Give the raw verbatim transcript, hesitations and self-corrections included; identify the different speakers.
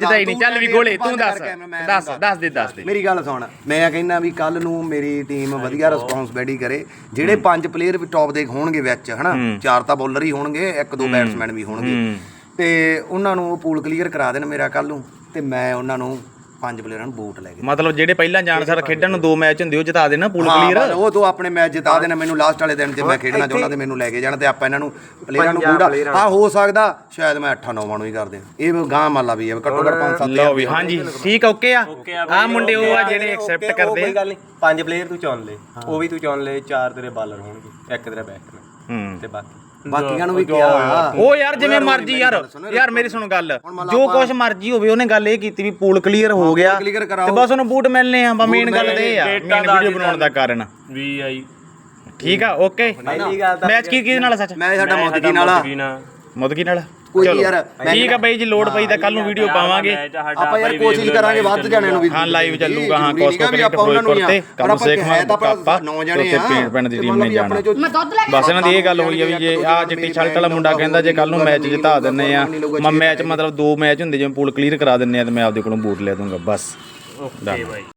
Speaker 1: ਵੱਜਦਾ ਹੀ ਨਹੀਂ। ਚੱਲ ਵੀ ਗੋਲੇ ਤੂੰ ਦੱਸ ਦੱਸ ਦੱਸ ਦੇ ਦੱਸ ਦੇ
Speaker 2: ਮੇਰੀ ਗੱਲ ਸੁਣ। ਮੈਂ ਕਹਿੰਦਾ ਵੀ ਕੱਲ ਨੂੰ ਮੇਰੀ ਟੀਮ ਵਧੀਆ ਰਿਸਪੌਂਸਿਬਿਲਿਟੀ ਕਰੇ। ਜਿਹੜੇ ਪੰਜ ਪਲੇਅਰ ਵੀ ਟੌਪ ਦੇ ਹੋਣਗੇ ਵਿੱਚ ਹਨਾ, ਚਾਰ ਤਾਂ ਬੋਲਰ ਹੀ ਹੋਣਗੇ, ਇੱਕ ਦੋ ਬੈਟਸਮੈਨ ਵੀ ਹੋਣਗੇ, ਤੇ ਉਹਨਾਂ ਨੂੰ ਉਹ ਪੂਲ ਕਲੀਅਰ ਕਰਾ ਦੇਣ ਮੇਰਾ ਕੱਲ ਨੂੰ, ਤੇ ਮੈਂ ਉਹਨਾਂ ਨੂੰ ਪੰਜ ਪਲੇਅਰਾਂ ਨੂੰ ਵੋਟ ਲੈ ਕੇ
Speaker 1: ਮਤਲਬ ਜਿਹੜੇ ਪਹਿਲਾਂ ਜਾਣ ਸਰ ਖੇਡਣ ਨੂੰ ਦੋ ਮੈਚ ਹੁੰਦੇ ਉਹ ਜਿਤਾ ਦੇਣਾ ਪੂਲ ਕਲੀਅਰ।
Speaker 2: ਉਹ ਤੋਂ ਆਪਣੇ ਮੈਚ ਜਿਤਾ ਦੇਣਾ ਮੈਨੂੰ ਲਾਸਟ ਵਾਲੇ ਦਿਨ ਜੇ ਮੈਂ ਖੇਡਣਾ ਚਾਹੁੰਦਾ ਤੇ ਮੈਨੂੰ ਲੈ ਕੇ ਜਾਣ, ਤੇ ਆਪਾਂ ਇਹਨਾਂ ਨੂੰ ਪਲੇਅਰਾਂ ਨੂੰ ਪੂਰਾ ਹਾਂ ਹੋ ਸਕਦਾ ਸ਼ਾਇਦ ਮੈਂ ਅੱਠਾਂ ਨੌਵਾਂ ਨੂੰ ਹੀ ਕਰ ਦਿਆਂ। ਇਹ ਗਾਂ ਮਾਲਾ ਵੀ ਹੈ ਘੱਟੋ ਘੱਟ ਪੰਜ ਸੱਤ।
Speaker 1: ਲਓ ਵੀ ਹਾਂਜੀ ਠੀਕ ਓਕੇ ਆ। ਆ ਮੁੰਡੇ ਉਹ ਆ ਜਿਹੜੇ ਐਕਸੈਪਟ ਕਰਦੇ
Speaker 3: ਕੋਈ ਗੱਲ ਨਹੀਂ। ਪੰਜ ਪਲੇਅਰ ਤੂੰ ਚੁਣ ਲੈ, ਉਹ ਵੀ ਤੂੰ ਚੁਣ ਲੈ, ਚਾਰ ਤੇਰੇ ਬਾਲਰ ਹੋਣਗੇ, ਇੱਕ ਤੇਰਾ ਬੈਟਸਮੈਨ ਤੇ ਬਾਕੀ
Speaker 2: ਬਾਕੀਆਂ ਨੂੰ ਵੀ ਕਿਹਾ
Speaker 1: ਉਹ ਯਾਰ ਜਿਵੇਂ ਮਰਜੀ ਯਾਰ ਯਾਰ ਮੇਰੀ ਸੁਣ ਗੱਲ, ਜੋ ਕੁਛ ਮਰਜੀ ਹੋਵੇ ਉਹਨੇ ਗੱਲ ਇਹ ਕੀਤੀ ਵੀ ਪੂਲ ਕਲੀਅਰ ਹੋ ਗਿਆ ਤੇ ਬਸ ਉਹਨੂੰ ਬੂਟ ਮਿਲਨੇ ਆ। ਮੇਨ ਗੱਲ ਤੇ ਇਹ ਆ ਮੇਨ ਵੀਡੀਓ ਬਣਾਉਣ ਦਾ ਕਾਰਨ ਵੀ ਆਈ। ਠੀਕ ਆ ਓਕੇ। ਮੈਚ ਕੀ ਕਿਹਦੇ ਨਾਲ ਸੱਚ?
Speaker 2: ਮੈਂ ਸਾਡਾ ਮੁਦਕੀ ਨਾਲ
Speaker 1: ਮੁਦਕੀ ਨਾਲ
Speaker 2: ਕੋਈ ਯਾਰ
Speaker 1: ਠੀਕ ਆ ਬਾਈ ਜੀ। ਲੋਡ ਪਈ ਤਾਂ ਕੱਲ ਨੂੰ ਵੀਡੀਓ ਪਾਵਾਂਗੇ
Speaker 2: ਆਪਾਂ ਯਾਰ ਕੋਸ਼ਿਸ਼ ਕਰਾਂਗੇ ਵੱਧ ਜਾਣਿਆਂ ਨੂੰ ਵੀ।
Speaker 1: ਹਾਂ ਲਾਈਵ ਚੱਲੂਗਾ। ਹਾਂ ਕੋਸਕੋ ਕ੍ਰਿਕਟ ਫਿਰੋਜ਼ਪੁਰ ਤੇ ਕੰਮ ਸੇਖ ਕਾਪਾ ਤੇ ਪਿੰਡ ਪਿੰਡ ਦੀ ਟੀਮ ਨੇ ਜਾਣਾ। ਬਸ ਇਹਨਾਂ ਦੀ ਇਹ ਗੱਲ ਹੋਈ ਆ ਵੀ ਜੇ ਆ ਚਿੱਟੀ ਸ਼ਰਟ ਵਾਲਾ ਮੁੰਡਾ ਕਹਿੰਦਾ ਜੇ ਕੱਲ ਨੂੰ ਮੈਚ ਜਿਤਾ ਦਿੰਨੇ ਆ, ਮੈਂ ਮੈਚ ਮਤਲਬ ਦੋ ਮੈਚ ਹੁੰਦੇ ਜਿਵੇਂ ਪੂਲ ਕਲੀਅਰ ਕਰਾ ਦਿੰਨੇ ਆ ਤੇ ਮੈਂ ਆਪਦੇ ਕੋਲੋਂ ਬੂਟ ਲੈ ਦੂੰਗਾ ਬਸ। ਓਕੇ ਬਾਈ।